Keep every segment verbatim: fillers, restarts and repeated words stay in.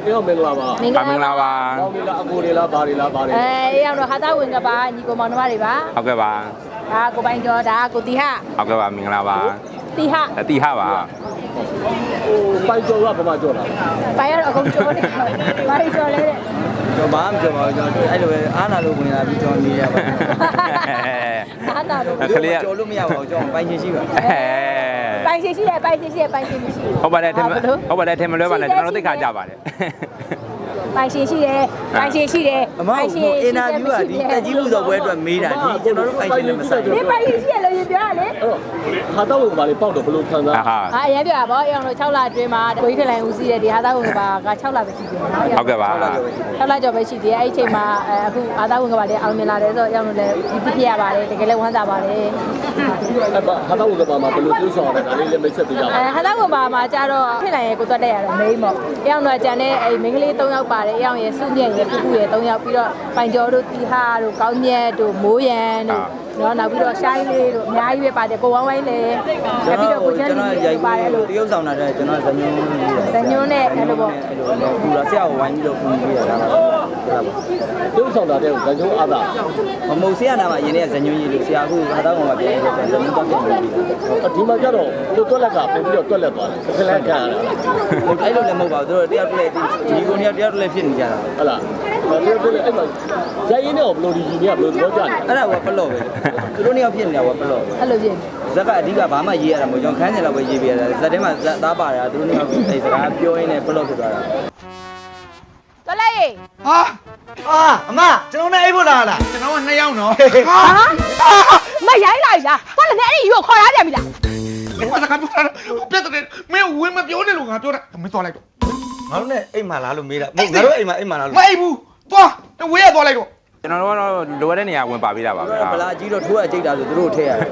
အေးအောင်မင်္ဂလာပါမင်္ဂလာပါမောင်လေးလားအကိုလေးလားဘာလေးလားဘာလေးအဲအေးအောင်တော့ဟာသားဝင်ကပါညီကိုမောင်နှမတွေပါဟုတ်ကဲ့ပါဒါကိုပိုင်ကျော်ဒါကိုတီဟဟုတ်ကဲ့ပါမင်္ဂလာပါတီဟတီဟပါဟိုပိုင်ကျော်ကဘာမှကျော်လားပိုင်ရတော့အကုန်ကျော်နေပိုင်ကျော်လေကျော်ပါမကျော်ပါဘူးကျွန်တော်အဲ့လိုပဲအားနာလို့ဝင်လာပြီးကျွန်တော်နေရပါအားနာလို့ကလေးကျော်လို့မရပါဘူးကျွန်တော်ပိုင်ရှင်ရှိပါပိုင်ရှင်ရှိတယ်ပိုင်ရှင်ရှိတယ်ပိုင်ရှင်မရှိဟုတ်ပါတယ်ထင်ဟုတ်ပါတယ်ထင်မလွဲပါနဲ့ကျွန်တော်တို့သိခါကြပါတယ်ပိုင်ရှင်ရှိတယ်ပိုင်ရှင်ရှိတယ်ပိုင်ရှင်အင်တာဗျူးကဒီတက်ကြီးလူတော်ပွဲအတွက်မေးတာဒီကျွန်တော်တို့ပိုင်ရှင်လည်းမဆိုင်ဘူးဒီပိုင်ရှင်ရှိရလို့ရင်ပြောရလေအဲ့တော့ဟာတော့ဝင်ကဘာလေးပေါက်တော့ဘလို့ခံစားဟာအရင်ပြောတာဗောအောင်လို့6လအတွင်းမှာကိုကြီးခလိုင်ဦးစီးတဲ့ဒီဟာသားဝင်ကဘာက6လပဲရှိတယ်နော်ဟုတ်ကဲ့ပါ 6လကျော်ပဲရှိသေးတယ်အဲ့ဒီအချိန်မှာအခုဟာသားဝင်ကဘာလေးအောင်မြင်လာတယ်ဆိုတော့အောင်လို့လည်းဒီပြည့်ရပါတယ်တကယ်လည်းဝမ်းသာပါတယ်အဲ့ဟာတော့ဝင်ကဘာမှာဘလို့တွေးဆောင်ရတာဒါလေးလည်းမိတ်ဆက်ပေးကြပါအဲဟာသားဝင်ကဘာမှာကျတော့ခလိုင်ရဲ့ကိုသွတ်တက်ရတယ်မိန်းပေါ့အောင်တော့ကြံတဲ့အဲ့မိန်းကလေး၃ယောက်ပါတယ်အောင်ရဲ့စုမြတ်ရဲ့ကုကုရဲ့၃ယောက်ပြီးတော့ပိုင်ကျော်တို့တီဟာတို့ကောင်းမြတ်တို့မိုးရန်တို့နော်နောက်ပြီးတော့ရှိုင်းလေးတို့အများကြီးပဲပါတယ်ကိုဝမ်းဝိုင်းလည်းပြီးတော့ကိုချမ်းကျွန်တော်ရိုက်ပါတယ်လို့တရုပ်ဆောင်တာတဲ့ကျွန်တော်ဇညွန်းဇညွန်းနဲ့အဲ့လိုပေါ့ပူလာဆရာကိုဝိုင်းပြီးတော့ပူပြီးရတာလားဟုတ်ပါတရုပ်ဆောင်တာတဲ့ဇညွန်းအားသာမမုတ်ဆရာနာမှာယင်းနေဇညွန်းကြီးလို့ဆရာအခုဟာသားကောင်ကပြန်ပြီးဇညွန်းတော့ပြန်ပြီးဒီမှာကျတော့ကိုတွက်လက်ကပို့ပြီးတော့တွက်လက်သွားတယ်စကလက်ကရတာအဲ့လိုလည်းမဟုတ်ပါဘူးတို့တယောက်တည်းဒီကိုနေတယောက်တည်းဖြစ်နေကြတာဟုတ်လားတယောက်တည်းအဲ့မှာရိုက်ရင်းနဲ့ဘလို့ဒီကြီးနေကဘလို့ပြောကြတယ်အဲ့ဒါကပလော့ပဲသူတို့နှစ်ယောက်ဖြစ်နေတာကပလော့အဲ့လိုဖြစ်ဇက်ကအဓိကဘာမှရေးရတာမဟုတ်ကျွန်တော်ခန်းကျင်လောက်ပဲရေးပြရတာဇက်ထဲမှာဇက်သားပါတာသူတို့နှစ်ယောက်အဲ့စကားပြောရင်းနဲ့ပလော့ဖြစ်သွားတာတော်လိုက်ရေဟာအာအမကျွန်တော်နဲ့အိပ်ဖို့လာလားကျွန်တော်ကနှစ်ယောက်နော်ဟာမရိုင်းလိုက်လားဘာလဲအဲ့ဒီယူခေါ်ရပြန်ပြီလားဘာစကားပြောတာပြတ်တယ်မင်းဝင်မပြောနဲ့လို့ငါပြောတာမင်းသွားလိုက်တော့ငါတို့နဲ့အိမ်မှာလားလို့မေးတာမဟုတ်ငါတို့အိမ်မှာအိမ်မှာလားလို့မအိပ်ဘူးသွားဝေးရသွားလိုက်တော့ကျွန်တော်တို့ကတော့လိုရတဲ့နေရာဝင်ပါပေးတာပါဗျာဗလာကြီးတော့ထိုးရကြိတ်တာဆိုသူတို့ထည့်ရတယ်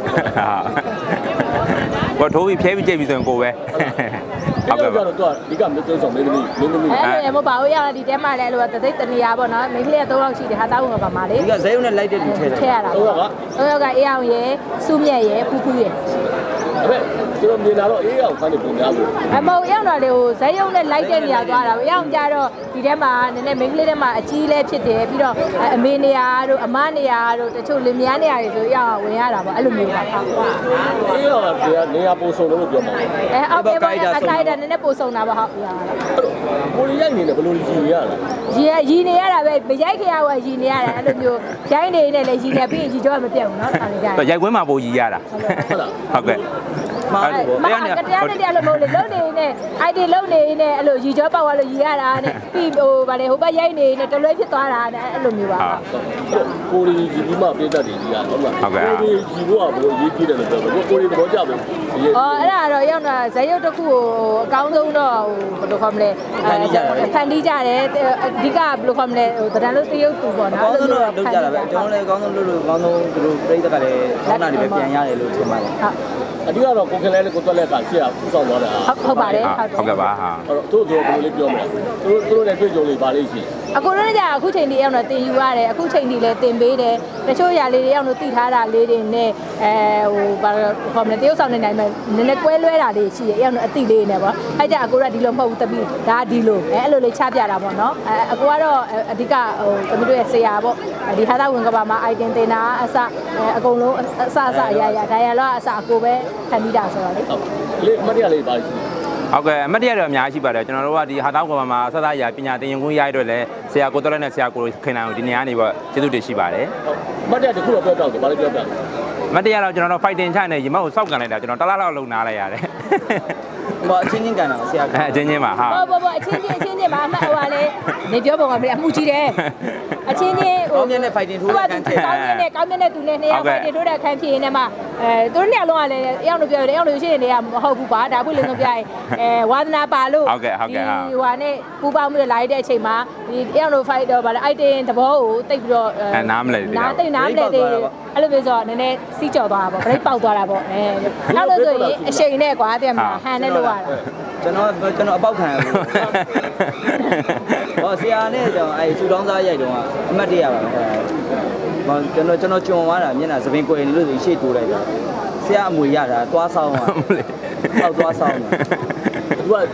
ဟာကိုထိုးပြီးဖျဲပြီးကြိတ်ပြီးဆိုရင်ကိုပဲဟုတ်ကဲ့ပါတော့ဒီကမင်းသုံးဆောင်မင်းသမီးမင်းသမီးအဲ့လိုမပါဘူးရဒီတဲမှာလည်းအဲ့လိုတသိတနေရာပေါ့နော်မိန်းကလေးက၃ယောက်ရှိတယ်ဟာတောင်းဝင်ပါမှာလေဒီကဇဲုံနဲ့လိုက်တဲ့လူထည့်တာထည့်ရတာ၃ယောက်က၃ယောက်ကအေးအောင်ရယ်စုမြတ်ရယ်ဖူးဖူးရယ်အဲ့ကျွန်တော်မြင်လာတော့အေးအောင်ခန်းနေပုံများဘူးအမဟုတ်ရောက်တော့လေဟိုဇက်ရုံနဲ့လိုက်တဲ့နေရာသွားတာရောက်ကြတော့ဒီထဲမှာနည်းနည်းမိန်းကလေးထဲမှာအကြီးလဲဖြစ်တယ်ပြီးတော့အမေနေရာတို့အမနေရာတို့တချို့လင်မယားနေရာတွေဆိုရောက်ဝင်ရတာပေါ့အဲ့လိုမျိုးပါဟုတ်အေးအောင်ကနေရာပုံစုံလို့ပြောမှာအဲအောက်ပဲအခိုက်တာနည်းနည်းပုံစုံတာပါဟုတ်ရကိုရီးယားနေတယ်ဘယ်လိုကြီးရလဲရီရီနေရတာပဲမရိုက်ခင်ကရီနေရတယ်အဲ့လိုမျိုးရိုင်းနေနေလည်းရီနေပြီးရီကြောမပြတ်ဘူးเนาะအဲ့ဒါကြတော့ရိုက်ခွင်းမှာပိုရီရတာဟုတ်လားဟုတ်ကဲ့မာကတရားနဲ့တရားလို့မဟုတ်လေလုံနေနေအိုက်ဒီလုံနေနေအဲ့လိုရီကြောပေါက်သွားလို့ရီရတာနဲ့ပြီးဟိုဗာလေဟိုဘက်ရိုက်နေနေတလွဲဖြစ်သွားတာနဲ့အဲ့လိုမျိုးပါကိုရီကြီးဒီမှာပြတတ်တယ်ကြီးရဟုတ်လားဟုတ်ကဲ့ကိုရီကြီးကဘလို့ရေးပြတယ်လို့ပြောတယ်ကိုရီသဘောကျဘူးအော်အဲ့ဒါတော့ရောက်တာဇက်ရုပ်တစ်ခုကိုအကောင်းဆုံးတော့ဟိုဘယ်လိုခေါ်မလဲဖန်တီးကြတယ်ဖန်တီးကြတယ်အဓိကဘယ်လိုခေါ်မလဲဟိုတရံလို့တရုပ်သူပေါ့နော်အကောင်းဆုံးတော့လုပ်ကြတာပဲကျွန်တော်လည်းအကောင်းဆုံးလုပ်လို့အကောင်းဆုံးသူတို့ပြိတ္တကလည်းကောင်းတာတွေပဲပြန်ရတယ်လို့ထင်ပါတယ်ဟုတ်အဓိကတော့ကိုခင်လဲကိုတွက်လက်ကရှေ့ကပူဆောင်သွားတာဟုတ်ဟုတ်ပါတယ်ဟုတ်ကဲ့ပါဟာအဲ့တော့တို့တို့ဘယ်လိုလေးပြောမလဲတို့တို့လည်းတွေ့ကြုံလေးပါလိမ့်ရှိအခုလည်းကြာအခုချိန်ဒီအောင်တော့တင်ယူရတယ်အခုချိန်ဒီလည်းတင်ပေးတယ်တချို့ຢာလေးတွေအောင်လို့တည်ထားတာလေးတွေနဲ့အဲဟိုဘာခေါ်မလဲတရုပ်ဆောင်နေနိုင်မယ်နည်းနည်းကွဲလွဲတာလေးရှိတယ်အောင်တော့အတိလေးနဲ့ပေါ့အဲ့ကြအကိုကဒီလိုမဟုတ်ဘူးတပီဒါဒီလိုအဲအဲ့လိုလေးချပြတာပေါ့နော်အဲအကိုကတော့အဓိကဟိုတမီးတို့ရဲ့ဆရာပေါ့ဒီဟာသားဝင်ကဘာမှာ item တင်တာအစအကုန်လုံးအစအစအရာရာဒါရလောအစအကိုပဲခံပြီးတာဆိုတော့လေလေးမတရားလေးပါရှိဟုတ်ကဲ့အမတ်တရတော့အများကြီးပါတယ်ကျွန်တော်တို့ကဒီဟာတောင်းကဘာမှာဆက်သားရာပညာသင်ရင်ခွင့်ရရတော့လဲဆရာကိုတော်လက်နဲ့ဆရာကိုခင်နိုင်ကိုဒီနေရာနေပေါ့ကျေးဇူးတင်ရှိပါတယ်မတ်တရတခုတော့ပြောတော့ဘာလဲပြောပြမတ်တရတော့ကျွန်တော်တို့ fighting ချနေရေမောက်ကိုစောက်ကန်လိုက်တာကျွန်တော်တလားလောက်လုံနာလိုက်ရတယ်ဘာအချင်းချင်းကန်တာဆရာအချင်းချင်းပါဟာဘောဘောဘောအချင်းချင်းအချင်းချင်းပါအမှတ်ဟိုကလေနေပြောပုံကမင်းအမှုကြီးတယ်အချင်းချင်းဟိုကောင်းမြတ်နဲ့ fighting ထိုးတဲ့ခန်းထည့်ကောင်းမြတ်နဲ့ကောင်းမြတ်နဲ့သူနဲ့နှစ်ယောက် fighting ထိုးတဲ့ခန်းဖြစ်နေမှာအဲသူတို့နှစ်ယောက်လုံးကလည်းအယောက်တို့ပြောတယ်အယောက်တို့ရှိနေတယ်မဟုတ်ဘူးပါဒါပွင့်လင်းဆုံးပြရင်အဲဝါသနာပါလို့ဟုတ်ကဲ့ဟုတ်ကဲ့ဟာဟိုဟာနဲ့ပူပေါင်းမှုလာတဲ့အချိန်မှာဒီအယောက်တို့ fight တော့ဗါလဲ item သဘောကိုတိတ်ပြီးတော့အဲနားမလဲနားတိတ်နားမလဲသေးအဲ့လိုမျိုးဆိုတော့နည်းနည်းစီးကြော်သွားတာပေါ့ break ပေါက်သွားတာပေါ့အဲနောက်လို့ဆိုရင်အချိန်နဲ့ကွာတဲ့မှာဟန်နဲ့လို့ရတာကျွန်တော်ကျွန်တော်အပေါက်ခံရဘူးဟောဆရာနဲ့ကျွန်တော်အဲစူတောင်းစားရိုက်တော့အမှတ်တရပါပဲဟောကျွန်တော်ကျွန်တော်ကြုံသွားတာမျက်နှာသပင်ကွယ်နေလို့ဆိုရှေ့တိုးလိုက်တာဆရာအမွေရတာသွားဆောင်တာဟုတ်သွားဆောင်တာသူကဆ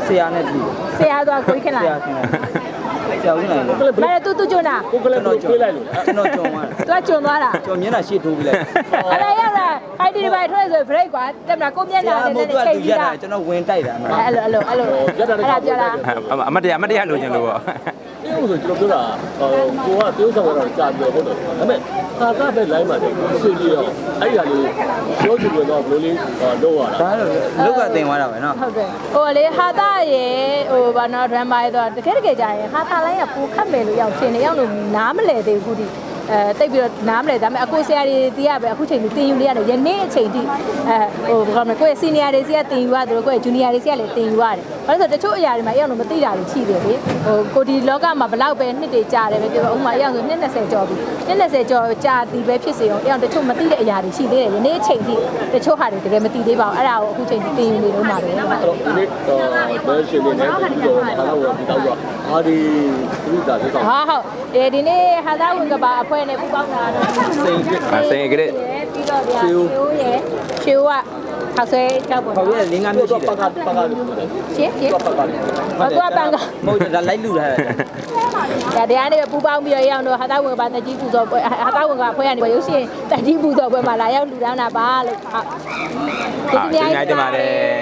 ဆရာနဲ့တူဆရာသွားကိုခင်လာဆရာခင်ဆရာခင်လာလေကိုကလည်းမလဲတူတူကျွန်းတာကိုကလည်းတော့ပြေးလိုက်လို့ကျွန်တော်ကြုံသွားသူကကျွန်းသွားတာကျွန်တော်မျက်နှာရှေ့ထိုးပြီးလိုက်အဲ့ဒါရောက်လာအိုက်ဒီဒီဘိုင်ထွက်ဆို break ကွာတက်မလားကိုမျက်ဆနှာရာနဲ့မို့နဲ့သူကချိန်သူပြီးရက်တာတာကျွန်တော်ဝင်တိုက်တာအဲ့လိုအဲ့လိုအဲ့လိုအဲ့ဒါပြောတာအမတ်တရားအမတ်တရားလိုချင်လို့ပေါ့အေးဆိုကျွန်တော်ပြောတာဟိုကိုကတိုးဆောင်တော့ကြာပြောဟုတ်တယ်ဒါပေမဲ့သာကပဲ line မှာတယ်ဆွေးကြည့်တော့အဲ့ဒါလေးပြောချင်လို့တော့ဘယ်လိုလေးလုပ်ရတာဒါတော့လုတ်ကတင်သွားတာပဲနော်ဟုတ်တယ်ဟိုလေဟာတာရေဟိုဘာနော် drama ရေတော့တကယ်တကယ်ကြာရင်ဟာတာလိုင်းကပူခတ်မယ်လို့ရောက်ရှင်နေရောက်လို့နားမလဲသေးဘူးခုဒီအဲတိတ်ပြီးတော့နားမလဲဒါပေမဲ့အကိုဆရာတွေတီးရပဲအခုချိန်ကြီးတင်ယူနေရတယ်ယနေ့အချိန်ထိအဲဟိုဘာမလဲကိုယ့်ရဲ့ senior တွေစီကတင်ယူရတယ်ကိုယ့်ရဲ့ junior တွေစီကလည်းတင်ယူရတယ်ဘာလို့ဆိုတချို့အရာတွေမှာအရောက်လို့မသိတာတွေရှိတယ်လေဟိုကိုဒီလောကမှာဘလောက်ပဲနှစ်တွေကြာတယ်ပဲပြောဥပမာအရောက်ဆိုနှစ်20ကျော်ပြီနှစ်20ကျော်ကြာတီးပဲဖြစ်စေအောင်အရောက်တချို့မသိတဲ့အရာတွေရှိသေးတယ်ယနေ့အချိန်ထိတချို့ဟာတွေတကယ်မသိသေးပါဘူးအဲ့ဒါကိုအခုချိန်ထိတင်ယူနေတော့မှာပဲအဲ့တော့ဒီနေ့ဘယ်ရှင်နေလဲဒီတော့ဘာလို့ဒီတော့အာဒီဒီတာဒီတော့ဟာဟုတ်ဒီဒီနေ့ဟာသားဝင်ကပါအဖွဲ့နဲ့ပူပေါင်းတာတော့စိန်ကစိန်ကလေးပြီးတော့ဗျာရှူရယ်ရှူကခောက်ဆွဲကြောက်ပေါ်ဟောပြလင်းကားမျိုးရှိတယ်ပကပကလို့ရှင်းရှင်းပကလေးဟောတော့ပန်ကမဟုတ်ဒါလိုက်လူထားတာဒါတရားနဲ့ပူပေါင်းပြီးတော့ရအောင်တော့ဟာသားဝင်ကပါတကြီးပူဇော်ပွဲဟာသားဝင်ကအဖွဲ့ကနေရုပ်ရှင်တကြီးပူဇော်ပွဲမှာလာရောက်လူတောင်းတာပါလို့ဟုတ်အာဒီနေ့တည်းပါတယ်